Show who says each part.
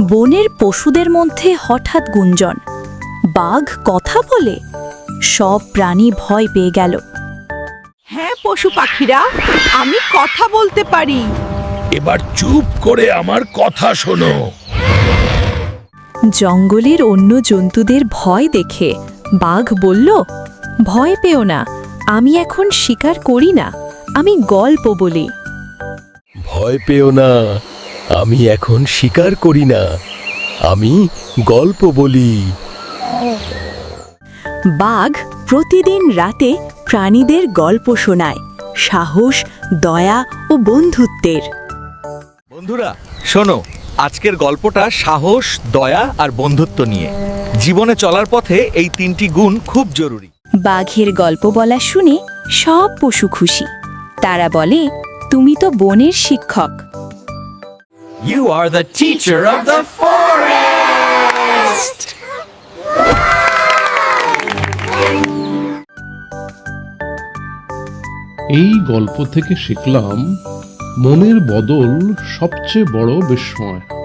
Speaker 1: বনের পশুদের মধ্যে হঠাৎ গুঞ্জন, বাঘ কথা বলে। সব প্রাণী ভয় পেয়ে গেল।
Speaker 2: হ্যাঁ পশু পাখিরা, আমি কথা বলতে পারি।
Speaker 3: এবার চুপ করে আমার কথা শোনো।
Speaker 1: জঙ্গলের অন্য জন্তুদের ভয় দেখে বাঘ বলল, ভয় পেও না, আমি এখন শিকার করি না, আমি গল্প বলি।
Speaker 3: ভয় পেও না, আমি এখন শিকার করি না, আমি গল্প বলি।
Speaker 1: বাঘ প্রতিদিন রাতে প্রাণীদের গল্প শোনায়, সাহস, দয়া ও বন্ধুত্বের।
Speaker 4: বন্ধুরা শোনো, আজকের গল্পটা সাহস, দয়া আর বন্ধুত্ব নিয়ে। জীবনে চলার পথে এই তিনটি গুণ খুব জরুরি।
Speaker 1: বাঘের গল্প বলা শুনে সব পশু খুশি। তারা বলে, তুমি তো বনের শিক্ষক।
Speaker 4: You are the teacher of the forest.
Speaker 5: এই গল্প থেকে শিখলাম, মনের বদল সবচেয়ে বড় বিস্ময়।